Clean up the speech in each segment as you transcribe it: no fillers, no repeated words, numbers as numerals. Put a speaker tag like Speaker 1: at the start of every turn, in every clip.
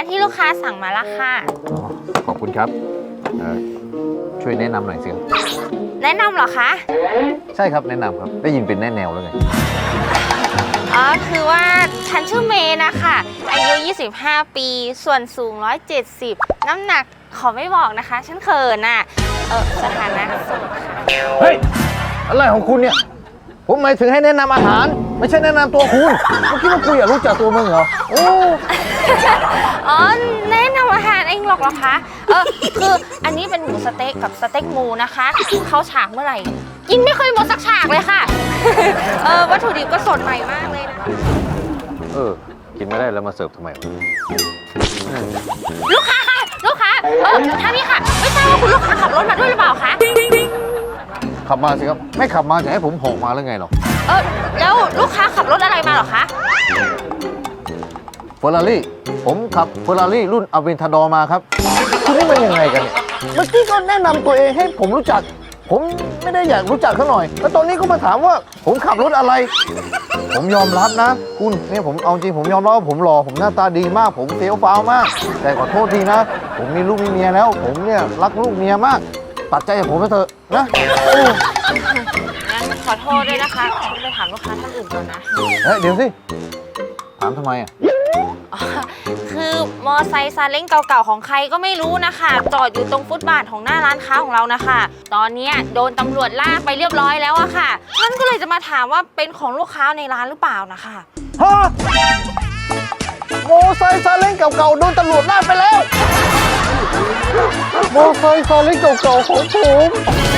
Speaker 1: ที่ลูกค้าสั่งมาแล้วค่ะ
Speaker 2: ขอบคุณครับช่วยแนะนำหน่อยสิครับ
Speaker 1: แนะนำเหรอคะ
Speaker 2: ใช่ครับแนะนำครับได้ยินเป็นแน่แนวแล้วไง
Speaker 1: อ๋อคือว่าฉันชื่อเมย์นะคะอายุ25 ปีส่วนสูง170น้ำหนักขอไม่บอกนะคะฉันเขินน่ะสถานะโสดค่ะ
Speaker 2: เฮ้ยอะไรของคุณเนี่ยผมหมายถึงให้แนะนำอาหารไม่ใช่แนะนำตัวคุณเมื่อกี้ว่าคุยอยากรู้จักตัวมึงเหรอโอ้
Speaker 1: อ๋อแนะนำอาหารเองหรอกเหรอคะคืออันนี้เป็นหมูสเต๊กกับสเต็กหมูนะคะเข้าฉากเมื่อไหร่กินไม่เคยหมดสักฉากเลยค่ะวัตถุดิบก็สดใหม่มากเลยนะ
Speaker 2: กินไม่ได้แล้วมาเสิร์ฟทำไม
Speaker 1: ลูกค้าค่ะลูกค้าท่านนี้ค่ะไม่ทราบว่าคุณลูกค้าขับรถมาด้วยหรือเปล่าคะ
Speaker 2: ขับมาสิครับไม่ขับมาจะให้ผมหอกมาหรือไงหรอ
Speaker 1: แล้วลูกค้าขับรถอะไรมาหรอคะ
Speaker 2: เฟอร์รารี่ผมขับเฟอร์รารี่รุ่นอเวนทาดอร์มาครับคุณนี่มันยังไงกันเนี่ยเมื่อกี้ก็แนะนำตัวเองให้ผมรู้จักผมไม่ได้อยากรู้จักเขาหน่อยแล้วตอนนี้ก็มาถามว่าผมขับรถอะไรผมยอมรับนะคุณเนี่ยผมเอาจริงผมยอมรับว่าผมหล่อผมหน้าตาดีมากผมเฟี้ยวฟ้าวมากแต่ขอโทษทีนะผมมีลูกมีเมียแล้วผมเนี่ยรักลูกเมียมากตัดใจจากผมไปเถอะนะ
Speaker 1: งั้นขอโทษด้วยนะคะฉันไปถามลูกค้าท่านอื่นก่อนนะ
Speaker 2: เดี๋ยวสิถามทำไม
Speaker 1: คือมอไซค์ซาเล้งเก่าๆของใครก็ไม่รู้นะคะจอดอยู่ตรงฟุตบาทของหน้าร้านค้าของเรานะคะตอนนี้โดนตำรวจลากไปเรียบร้อยแล้วอะค่ะฉันก็เลยจะมาถามว่าเป็นของลูกค้าในร้านหรือเปล่านะคะ
Speaker 2: ฮะมอไซค์ซาเล้งเก่าๆโดนตำรวจลากไปแล้วมอไซค์ซาเล้งเก่าๆของผม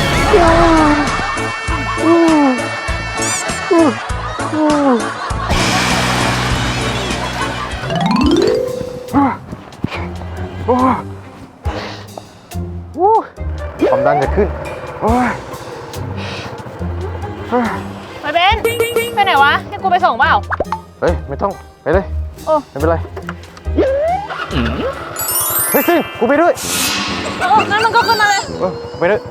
Speaker 2: ความดันจะขึ้น
Speaker 3: ไปเบนไปไหนวะให้กูไปส่งเปล่า
Speaker 2: เฮ้ยไม่ต้องไปเลยไม่เป็นไรเฮ้ยซิกูไปด้วย
Speaker 3: งั้นมันก็ขึ้นมาเลย
Speaker 2: ไปด้วย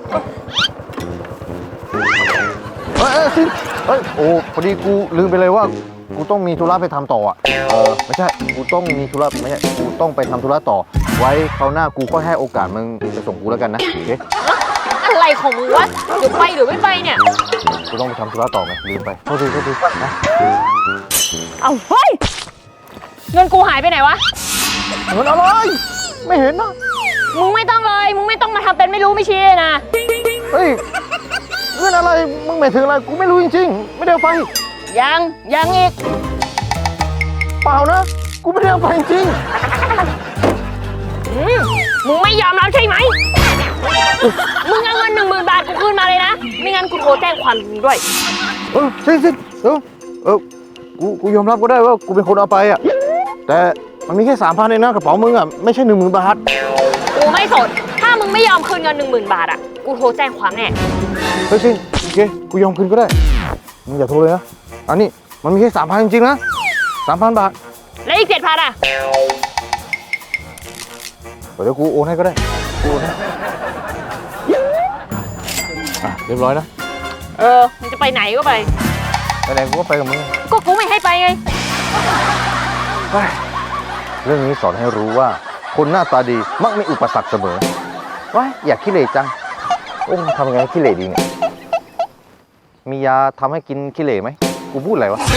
Speaker 2: ซิโอ้พอดีกูลืมไปเลยว่ากูต้องมีธุระไปทำต่ออ่ะไม่ใช่กูต้องมีธุระไม่ใช่กูต้องไปทำธุระต่อไว้คราวหน้ากูก็ให้โอกาสมึงไปส่งกูแล้วกันนะโอเค
Speaker 3: อะไรของมึงวะเดี๋ยวไปหรือไม่ไปเนี่ย
Speaker 2: กูต้องไปทำธุระต่อไงลืมไปโทษทีนะ
Speaker 3: เอาเฮ้ยเงินกูหายไปไหนวะ
Speaker 2: เงินอะไรไม่เห็นนะ
Speaker 3: มึงไม่ต้องเลยมึงไม่ต้องมาทำเป็นไม่รู้ไม่ชี้นะ
Speaker 2: เฮ้ยเงินอะไรมึงหมายถึงอะไรกูไม่รู้จริงๆไม่ได้เอาไป
Speaker 3: ยังอีก
Speaker 2: เปล่านะกูไม่ได้เอาไปจริง
Speaker 3: มึงไม่ยอมรับใช่ไหมมึงเอาเงิน10,000 บาทกูคืนมาเลยนะไม่งั้นกูโทรแจ้งความมึงด้วย
Speaker 2: สิกูยอมรับก็ได้ว่ากูเป็นคนเอาไปอ่ะแต่มันมีแค่3,000เองนะกระเป๋ามึงอ่ะไม่ใช่10,000 บาท
Speaker 3: กูไม่สนถ้ามึงไม่ยอมคืนเงิน10,000 บาทอ่ะกูโทรแจ้งความแน่
Speaker 2: โอเคกูยอมคืนก็ได้มึงอย่าโทรเลยนะอันนี้มันมีแค่3,000จริงๆนะ3,000 บาท
Speaker 3: แล้วอีก7,000อ่ะ
Speaker 2: เดี๋ยวกูโอนให้ก็ได้กูโอนให้เรียบร้อยนะ
Speaker 3: มึงจะไปไหนก็ไป
Speaker 2: ไหนกูก็ไปกับมึง
Speaker 3: ก็กูไม่ให้ไปไง
Speaker 2: เรื่องนี้สอนให้รู้ว่าคนหน้าตาดีมักมีอุปสรรคเสมอว้ายอยากขี้เหร่จังทำยังไงให้ขี้เหร่ดีเนี่ยมียาทำให้กินขี้เหร่ไหมกูพูดอะไรวะ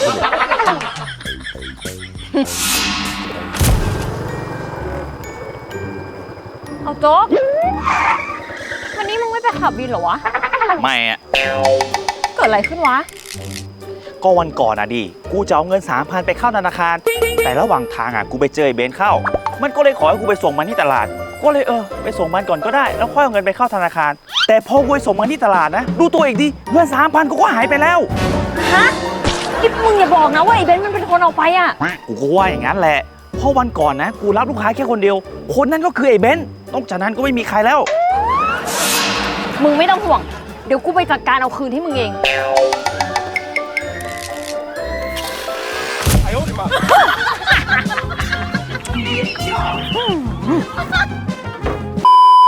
Speaker 3: เอาโจ๊กวันนี้มึงไม่ไปขับวินเหรอวะ
Speaker 4: ไม่อะ
Speaker 3: เกิดอะไรขึ้นวะ
Speaker 4: ก็วันก่อนอะดิกูจะเอาเงิน3,000ไปเข้าธนาคารแต่ระหว่างทางอะกูไปเจอไอ้เบนเข้ามันก็เลยขอให้กูไปส่งมันที่ตลาดก็เลยไปส่งมันก่อนก็ได้แล้วค่อยเอาเงินไปเข้าธนาคารแต่พอกูไปส่งมันที่ตลาดนะดูตัวอีกดิเงิน3,000กูก็หายไปแล้ว
Speaker 3: ฮะที่มึงอย่าบอกนะว่าไอ้เบนมันเป็นคนเอาไปอะ
Speaker 4: กูก็ว่าอย่างนั้นแหละเพราะวันก่อนนะกูรับลูกค้าแค่คนเดียวคนนั้นก็คือไอ้เบนนอกจากนั้นก็ไม่มีใครแล้ว
Speaker 3: มึงไม่ต้องห่วงเดี๋ยวกูไปจัดการเอาคืนให้มึงเอง